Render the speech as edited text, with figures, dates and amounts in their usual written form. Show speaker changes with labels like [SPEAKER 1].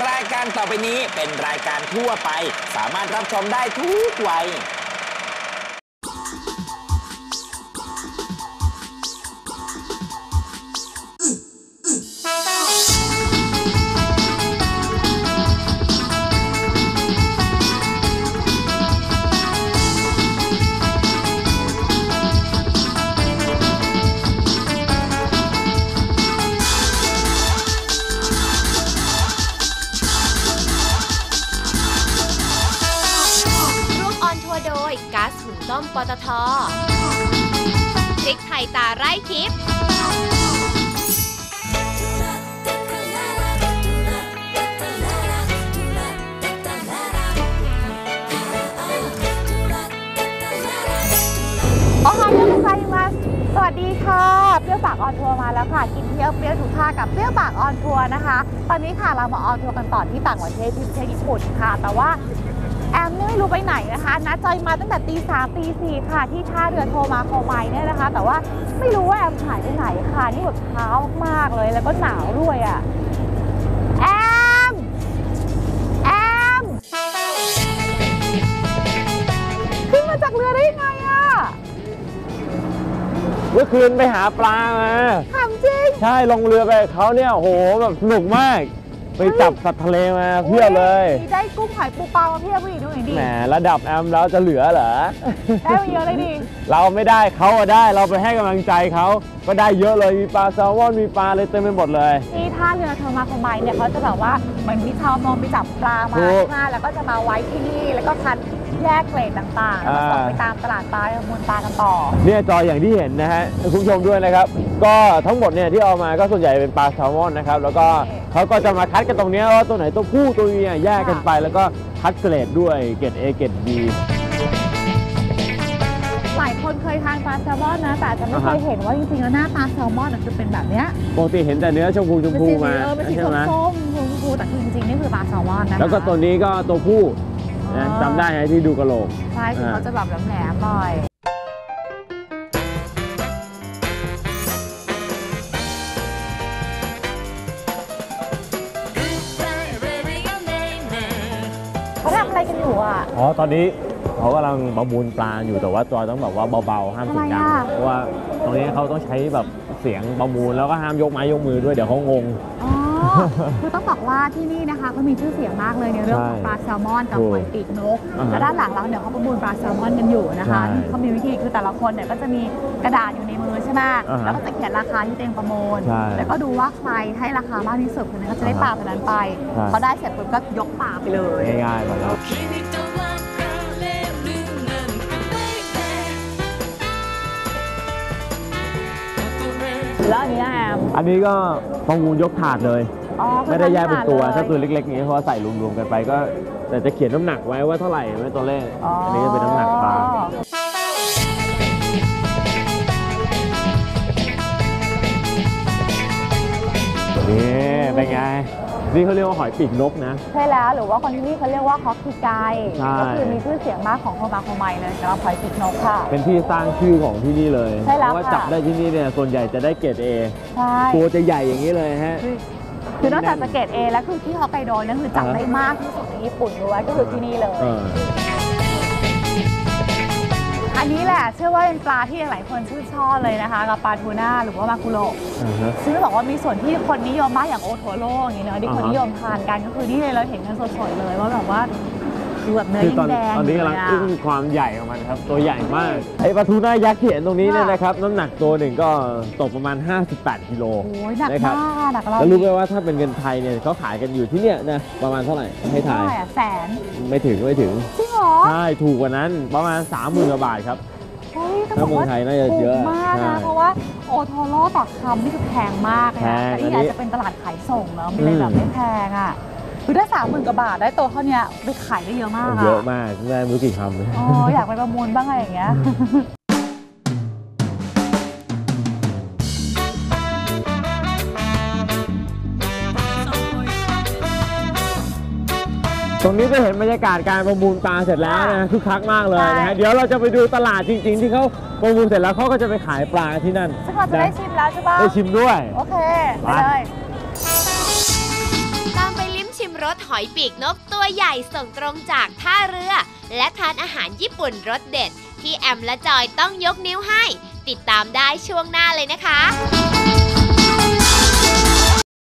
[SPEAKER 1] รายการต่อไปนี้เป็นรายการทั่วไปสามารถรับชมได้ทุกวัย
[SPEAKER 2] ก๊าซหุงต้มปตท.พริกไทยตาไร่ทิพย์
[SPEAKER 3] โอฮายาไซมาสวัสดีค่ะเปรี้ยวปากออนทัวร์มาแล้วค่ะกินเที่ยวเปรี้ยวทุกท่ากับเปรี้ยวปากออนทัวร์นะคะตอนนี้ค่ะเรามาออนทัวร์กันต่อที่ต่างประเทศที่ประเทศญี่ปุ่นค่ะแต่ว่าแอมไม่รู้ไปไหนนะคะนัดจอยมาตั้งแต่ตี3ตี4ค่ะที่ท่าเรือโทมาโคไมเนี่ยนะคะแต่ว่าไม่รู้ว่าแอมหายไปไหนค่ะนี่แบบเช้ามากเลยแล้วก็หนาวด้วยอ่ะแอมขึ้นมาจากเรือได้ยังไงอ่ะ
[SPEAKER 4] เมื่อคืนไปหาปลามา
[SPEAKER 3] ถามจริง
[SPEAKER 4] ใช่ลงเรือไปเขาเนี่ยโหแบบสนุกมากไปจับสัตว์ทะเลมาเพียบเลย
[SPEAKER 3] ได้กุ้งหอยปูปลามาเพียบเลยดูหน่อยดิ
[SPEAKER 4] แหมระดับแอมแล้วจะเหลือเหรอ
[SPEAKER 3] ได้มาเยอะเลยดิ
[SPEAKER 4] เราไม่ได้เขาได้เราไปให้กำลังใจเขาก็ได้เยอะเลยมีปลาแซลมอนมีปลาอะไรเต็มไปหมดเลย
[SPEAKER 3] ที่ท่าเรือโทมาโคไมเนี่ยเขาจะแบบว่าเหมือนมีชาวมองไปจับปลามาแล้วก็จะมาไว้ที่นี่แล้วก็คัดแยกเกรดต่างๆแล้วส่งไปตามตลาดปลาประมูลปลากันต่อ
[SPEAKER 4] เนี่ยจอยอย่างที่เห็นนะฮะคุณผู้ชมด้วยนะครับก็ทั้งหมดเนี่ยที่เอามาก็ส่วนใหญ่เป็นปลาแซลมอนนะครับแล้วก็เขาก็จะมาคัดกันตรงนี้ว่าตัวไหนตัวผู้ตัวเมียแยกกันไปแล้วก็คัดเกรดด้วยเกรด A เกรด B
[SPEAKER 3] หลายคนเคยทานปลาแซลมอนนะแต่จะไม่เคยเห็นว่าจริงๆแล้วหน้าปลาแซลมอนจะเป็นแบบเนี้ย
[SPEAKER 4] ปกติเห็นแต่เนื้อชมพูมา
[SPEAKER 3] เป็นสีส้มชมพูแต่จริงๆนี่คือปลาแซลมอนนะ
[SPEAKER 4] แล้วก็ตัวนี้ก็ตัวผู้จำได้ไหมที่ดูกระโหลก
[SPEAKER 3] ใช่คือเขาจะแบบแหลมๆหน่อยเขาทำอะไรกันอยู่อ่ะ
[SPEAKER 4] อ๋อตอนนี้เขากำลังประมูลปลาอยู่แต่ว่าจอยต้องแบบว่าเบาๆห้ามเสียงดังเพราะว่าตรงนี้เขาต้องใช้แบบเสียงประมูลแล้วก็ห้ามยกไม้ยกมือด้วยเดี๋ยวเขางง
[SPEAKER 3] คือต้องบอกว่าที่นี่นะคะเขามีชื่อเสียงมากเลยในเรื่องของปลาแซลมอนกับหอยปีกนกและด้านหลังเราเนี่ยเขาประมูลปลาแซลมอนกันอยู่นะคะเขามีวิธีคือแต่ละคนเนี่ยก็จะมีกระดาษอยู่ในมือใช่ไหมแล้วก็จะเขียนราคาที่ตัวเองประมูลแล้วก็ดูว่าใครให้ราคามากที่สุดคนนั้นก็จะได้ปลาตัวนั้นไปเขาได้เสร็จปุ๊บก็ยกปลาไปเลย
[SPEAKER 4] ง่ายๆแบบนั้น
[SPEAKER 3] แล้วอันนี้แอม
[SPEAKER 4] อันนี้ก็ประมูลยกถาดเลยไม่ได้แยกเป็นตัวถ้าตัวเล็กๆนี้เพราะใส่รวมๆกันไปก็แต่จะเขียนน้ำหนักไว้ว่าเท่าไหร่ไม่ตัวเลขอันนี้จะเป็นน้ำหนักปลานี่เป็นไงนี่เขาเรียกว่าหอยปีกนกนะ
[SPEAKER 3] ใช่แล้วหรือว่าคนที่นี่เขาเรียกว่าฮอกกี้ไกก็คือมีชื่อเสียงมากของโทมาโคไมเลยสำหรับหอยปีกนกค่ะ
[SPEAKER 4] เป็นที่สร้างชื่อของที่นี่เลย
[SPEAKER 3] ใช่แล้ว
[SPEAKER 4] เพราะว่าจับได้ที่นี่เนี่ยส่วนใหญ่จะได้เกรด A
[SPEAKER 3] ใช่
[SPEAKER 4] ตัวจะใหญ่อย่างนี้เลยฮะ
[SPEAKER 3] คือนอกจากจะเกรด A แล้วคือที่ฮอกไกโดนั่นคือจับได้มากที่สุดในญี่ปุ่นด้วยก็คือที่นี่เลยอันนี้แหละเชื่อว่าเป็นปลาที่หลายคนชื่นชอบเลยนะคะกับปลาทูน่าหรือว่ามากุโระซึ่งบอกว่ามีส่วนที่คนนิยมมากอย่างโอโทโร่อย่างนี้เนอะที่คนนิยมทานกันก็คือนี่เลยเราเห็นกันสดๆเลยว่าแบบว่าดูแบบเนื้อยิ่งแดง
[SPEAKER 4] ตอนนี้กำลังอึ้งความใหญ่ของมันครับตัวใหญ่มากไอ้ปลาทูน่ายักษ์ที่เห็นตรงนี้เนี่ยนะครับน้ำหนักตัวหนึ่งก็ตกประมาณ58กิโล
[SPEAKER 3] หนักมากหนัก
[SPEAKER 4] แล้วรู้ไหมว่าถ้าเป็นเงินไทยเนี่ยเขาขายกันอยู่ที่เนี่ยนะประมาณเท่าไหร่ให้ทาย
[SPEAKER 3] แสน
[SPEAKER 4] ไม่ถึง
[SPEAKER 3] จริงเหรอ
[SPEAKER 4] ใช่ถูกกว่านั้นประมาณ 30,000 กว่าบาทครับถ้าเมืองไทยน่าจะเยอะ
[SPEAKER 3] มากนะเพราะว่าโอโทโร่ต่อคำนี่คือแพงมากนะแต่นี่อาจจะเป็นตลาดขายส่งเนาะเลยแบบไม่แพงอ่ะคือถ้า30,000 กว่าบาทได้ตัวเท่านี้ไปขายได้เยอะมาก
[SPEAKER 4] เยอะมากได้ไม่รู้กี่คำเลย
[SPEAKER 3] อยากไปประมูลบ้างอะไรอย่างเงี้ย
[SPEAKER 4] ตรงนี้จะเห็นบรรยากาศการประมูลปลาเสร็จแล้วนะคึกคักมากเลยนะฮะเดี๋ยวเราจะไปดูตลาดจริงๆที่เขาประมูลเสร็จแล้วเขาก็จะไปขายปลาที่นั่น
[SPEAKER 3] ซึ่งเราจะได้ชิมแล้วใช่ปะ
[SPEAKER 4] ได้ชิมด้วย
[SPEAKER 3] โอเคไปเลย
[SPEAKER 2] ตามไปลิ้มชิมรรสหอยปีกนกตัวใหญ่ส่งตรงจากท่าเรือและทานอาหารญี่ปุ่นรสเด็ดที่แอมและจอยต้องยกนิ้วให้ติดตามได้ช่วงหน้าเลยนะคะ